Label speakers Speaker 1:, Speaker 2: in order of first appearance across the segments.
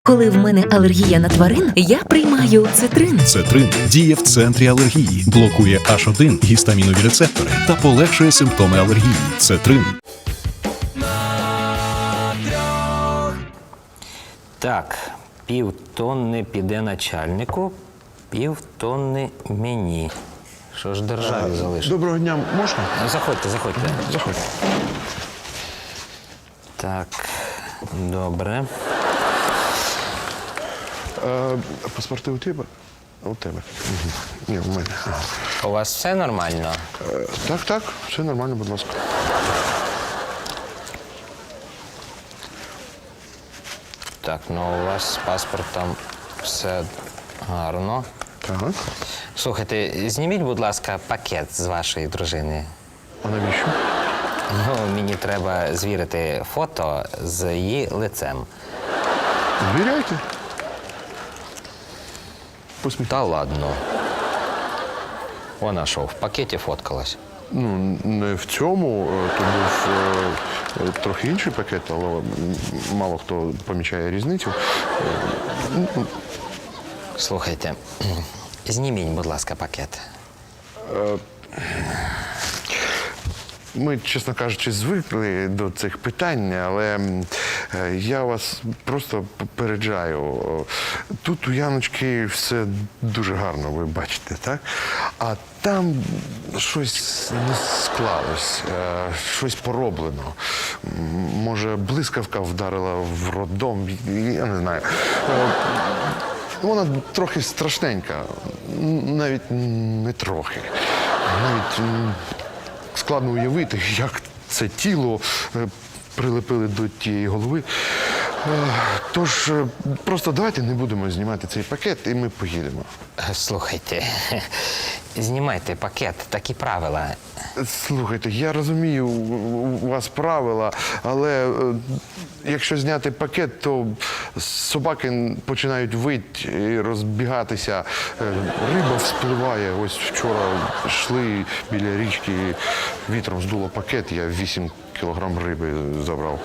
Speaker 1: Коли в мене алергія на тварин, я приймаю цитрин.
Speaker 2: Цетрин діє в центрі алергії, блокує H1 гістамінові рецептори та полегшує симптоми алергії. Цетрин.
Speaker 3: Так, півтонни піде начальнику, півтонни мені. Що ж державі залишить?
Speaker 4: Доброго дня, можна?
Speaker 3: Заходьте, заходьте.
Speaker 4: Заходьте.
Speaker 3: Так, добре.
Speaker 4: Паспорти у тебе? У тебе. Угу. Ні, у мене. Ага.
Speaker 3: У вас все нормально?
Speaker 4: Так, все нормально, будь ласка.
Speaker 3: Так, ну у вас з паспортом все гарно.
Speaker 4: Так.
Speaker 3: Слухайте, зніміть, будь ласка, пакет з вашої дружини.
Speaker 4: А навіщо?
Speaker 3: Ну, мені треба звірити фото з її лицем.
Speaker 4: Звіряйте. Посміхайте.
Speaker 3: Та ладно. Вона що, в пакеті фоткалась?
Speaker 4: Ну, не в цьому, то був трохи інший пакет, але мало хто помічає різницю.
Speaker 3: Слухайте, зніміть, будь ласка, пакет.
Speaker 4: Ми, чесно кажучи, звикли до цих питань, але я вас просто попереджаю. Тут у Яночки все дуже гарно, ви бачите, так? А там щось не склалось, щось пороблено. Може, блискавка вдарила в роддом, я не знаю. Вона трохи страшненька, навіть не трохи. Навіть складно уявити, як це тіло прилепили до тієї голови. Тож, просто давайте не будемо знімати цей пакет, і ми поїдемо.
Speaker 3: Слухайте, знімайте пакет, такі правила.
Speaker 4: Слухайте, я розумію, у вас правила, але якщо зняти пакет, то собаки починають вити і розбігатися. Риба вспливає. Ось вчора йшли біля річки, вітром здуло пакет, я 8 кілограм риби забрав.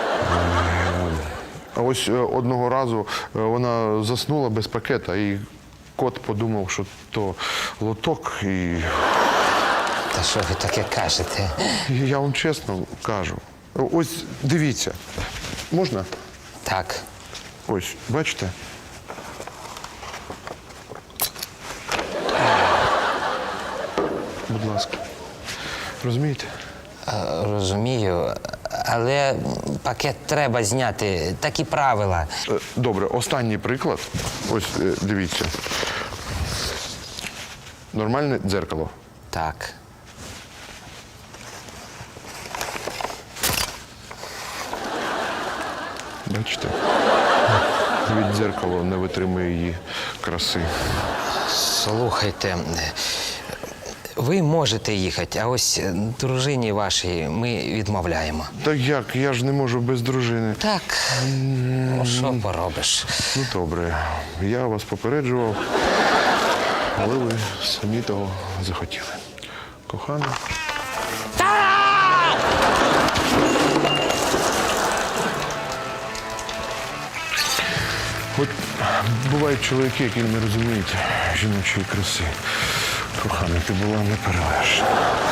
Speaker 4: А ось одного разу вона заснула без пакета, і кот подумав, що то лоток, і
Speaker 3: Та що ви таке кажете?
Speaker 4: я вам чесно кажу. Ось дивіться. Можна?
Speaker 3: Так.
Speaker 4: Ось, бачите? Будь ласка. Розумієте?
Speaker 3: Розумію, але пакет треба зняти, такі правила.
Speaker 4: Добре, останній приклад. Ось, дивіться. Нормальне дзеркало.
Speaker 3: Так.
Speaker 4: Бачите? Від дзеркало не витримує її краси.
Speaker 3: Слухайте, ви можете їхати, а ось дружині вашій ми відмовляємо.
Speaker 4: Так як? Я ж не можу без дружини.
Speaker 3: Так, ну що поробиш?
Speaker 4: Ну, добре. Я вас попереджував, але ви самі того захотіли. Кохана. От бувають чоловіки, які не розуміють жіночої краси. Кохана, ти була неперевершена.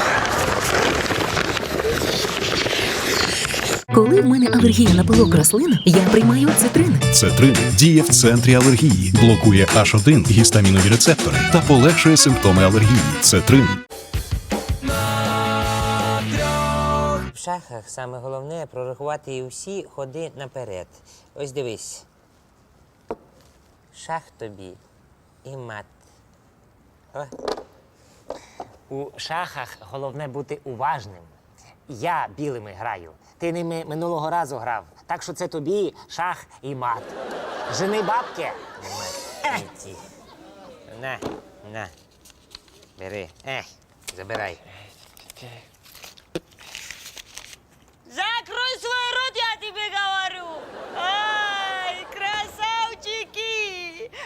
Speaker 1: Коли в мене алергія на пилок рослин, я приймаю цитрин.
Speaker 2: Цетрин діє в центрі алергії, блокує H1 гістамінові рецептори та полегшує симптоми алергії. Цетрин.
Speaker 5: В шахах саме головне прорахувати і всі ходи наперед. Ось дивись. Шах тобі і мат. О. У шахах головне бути уважним. Я білими граю. Ти ними минулого разу грав. Так що це тобі шах і мат. Жени бабки. Маті. На. Бери. Забирай.
Speaker 6: Закрой свой рот, я тебе говорю! Ай, красавчики!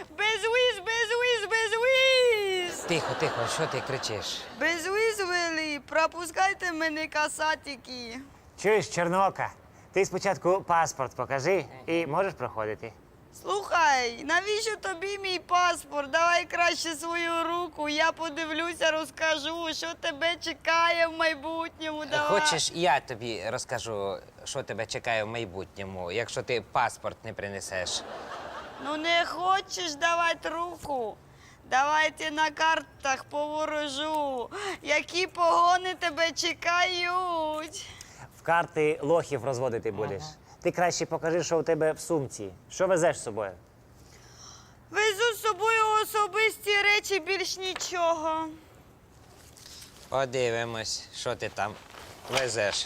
Speaker 6: Без
Speaker 5: Тихо, що ти кричиш?
Speaker 6: вели, пропускайте мене, касатики.
Speaker 5: Чуєш, Чорноока, ти спочатку паспорт покажи і можеш проходити.
Speaker 6: Слухай, навіщо тобі мій паспорт? Давай краще свою руку, я подивлюся, розкажу, що тебе чекає в майбутньому. Давай.
Speaker 5: Хочеш, я тобі розкажу, що тебе чекає в майбутньому, якщо ти паспорт не принесеш?
Speaker 6: Ну не хочеш давати руку? Давайте на картах поворожу, які погони тебе чекають.
Speaker 5: В карти лохів розводити будеш. Ти краще покажи, що у тебе в сумці. Що везеш з собою?
Speaker 6: Везу з собою особисті речі, більш нічого.
Speaker 5: Подивимось, що ти там везеш.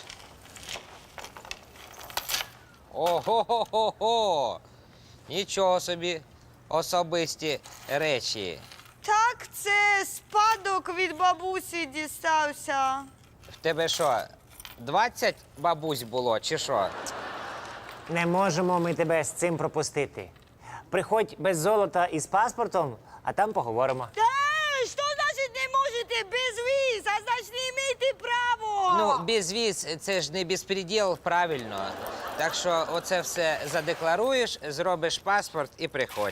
Speaker 5: Ого-го-го-го! Нічого собі, особисті речі.
Speaker 6: Так, це спадок від бабусі дістався.
Speaker 5: В тебе що, 20 бабусь було, чи що? Не можемо ми тебе з цим пропустити. Приходь без золота і з паспортом, а там поговоримо.
Speaker 6: Та, що значить не можете без віз? А значить не маєте право.
Speaker 5: Ну, безвіз – це ж не безпреділ, правильно. Так що оце все задекларуєш, зробиш паспорт і приходь.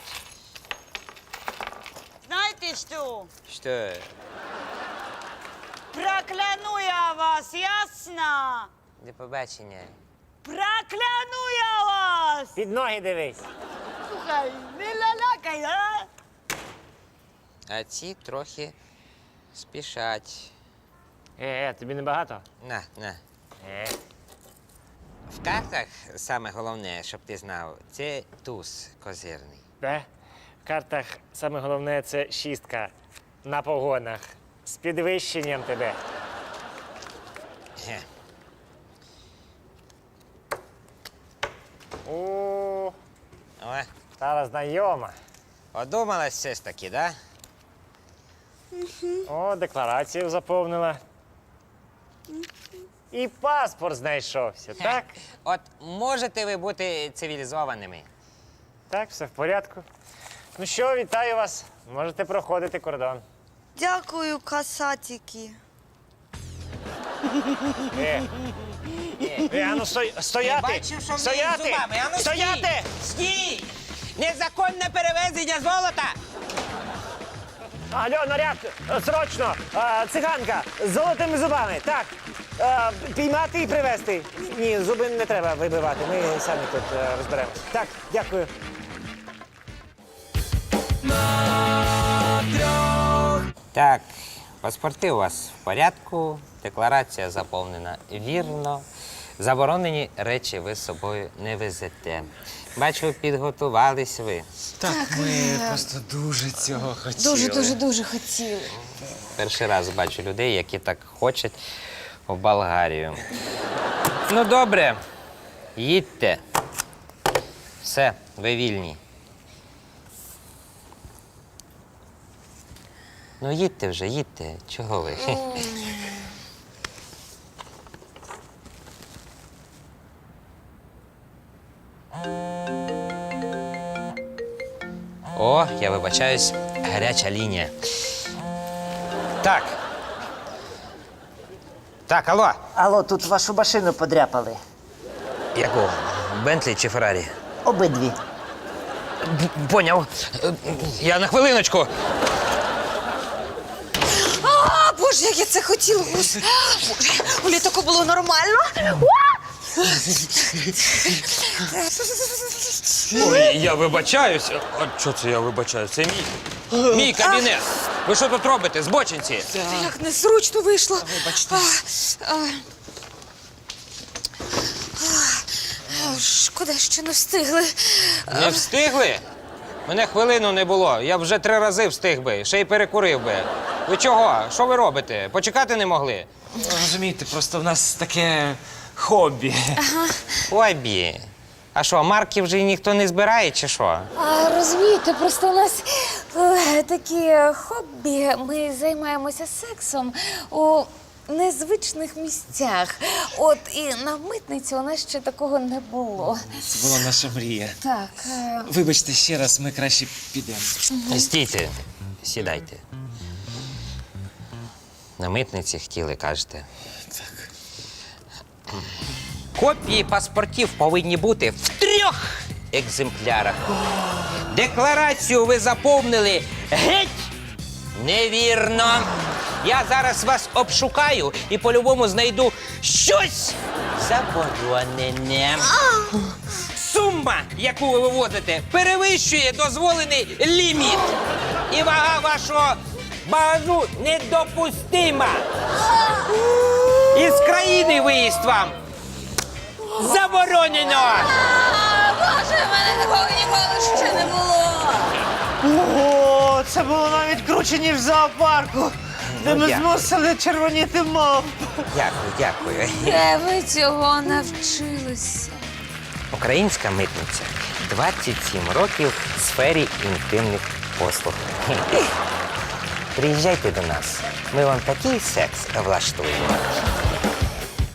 Speaker 6: Знаєте що?
Speaker 5: Що?
Speaker 6: Прокляну я вас, ясно?
Speaker 5: До побачення.
Speaker 6: Прокляну я вас!
Speaker 5: Під ноги дивись.
Speaker 6: Слухай, не лалакай, а?
Speaker 5: А ці трохи спішать.
Speaker 7: Тобі не багато?
Speaker 5: На. В картах саме головне, щоб ти знав, це туз козирний.
Speaker 7: В картах саме головне це шістка на погонах. З підвищенням тебе.
Speaker 5: Ге.
Speaker 7: О,
Speaker 5: О,
Speaker 7: стала знайома.
Speaker 5: одумалась все ж таки, да?
Speaker 7: О, декларацію заповнила. І паспорт знайшовся, так?
Speaker 5: От можете ви бути цивілізованими?
Speaker 7: Так, все в порядку. Ну що, вітаю вас. Можете проходити кордон.
Speaker 6: Дякую, касатики.
Speaker 7: Ану, стояти!
Speaker 5: Бачив, що в неї
Speaker 7: Стояти!
Speaker 5: зубами. Ану,
Speaker 7: Стояти!
Speaker 5: Стій! Незаконне перевезення золота!
Speaker 7: Алло, наряд, срочно! Циганка з золотими зубами. Так. Піймати і привезти. Ні, зуби не треба вибивати. Ми самі тут розберемося. Так, дякую.
Speaker 5: Так, паспорти у вас в порядку, декларація заповнена вірно. Заборонені речі ви з собою не везете. Бачу, підготувались ви.
Speaker 8: Так, ми просто дуже цього хотіли.
Speaker 9: Дуже хотіли.
Speaker 5: Перший раз бачу людей, які так хочуть в Болгарію. Ну, добре, їдьте. Все, ви вільні. Ну, їдьте вже, їдьте. Чого ви? О, я вибачаюсь, гаряча лінія. Так. Так, алло.
Speaker 10: Алло, тут вашу машину подряпали.
Speaker 5: Яку? Бентлі чи Феррарі?
Speaker 10: Обидві.
Speaker 5: Поняв. Я на хвилиночку.
Speaker 9: А, Боже, як я це хотіла. Боже, у літаку було нормально.
Speaker 5: Ой, я вибачаюсь. А що це я вибачаюсь? Це мій кабінет. Ви що тут робите, збочинці?
Speaker 9: Як незручно вийшло. Вибачте. Шкода, що не встигли.
Speaker 5: Не встигли? Мене хвилину не було. Я вже 3 рази встиг би, ще й перекурив би. Ви чого? Що ви робите? Почекати не могли?
Speaker 8: Розумієте, просто в нас таке хобі.
Speaker 5: Хобі. А що, марки вже ніхто не збирає, чи що?
Speaker 9: Розумієте, просто у нас такі хобі. Ми займаємося сексом у незвичних місцях. От і на митниці у нас ще такого не було.
Speaker 8: Це була наша мрія.
Speaker 9: Так.
Speaker 8: Вибачте ще раз, ми краще підемо.
Speaker 5: Стійте, сідайте. На митниці хотіли, кажете.
Speaker 8: Так.
Speaker 5: Копії паспортів повинні бути в 3
Speaker 11: екземплярах. Декларацію ви заповнили геть невірно. Я зараз вас обшукаю і по-любому знайду щось заборонене. Сума, яку ви вивозите, перевищує дозволений ліміт. І вага вашого багажу недопустима. Із країни виїзд вам заборонено.
Speaker 9: Боже, в мене такого ніколи ще не було.
Speaker 7: Ого, це було навіть круче, ніж в зоопарку, де ми
Speaker 11: дякую.
Speaker 7: змусили червоніти мавп.
Speaker 11: Дякую, дякую.
Speaker 9: Де ви цього навчилися?
Speaker 5: Українська митниця 27 років в сфері інтимних послуг. Приїжджайте до нас. Ми вам такий секс влаштуємо.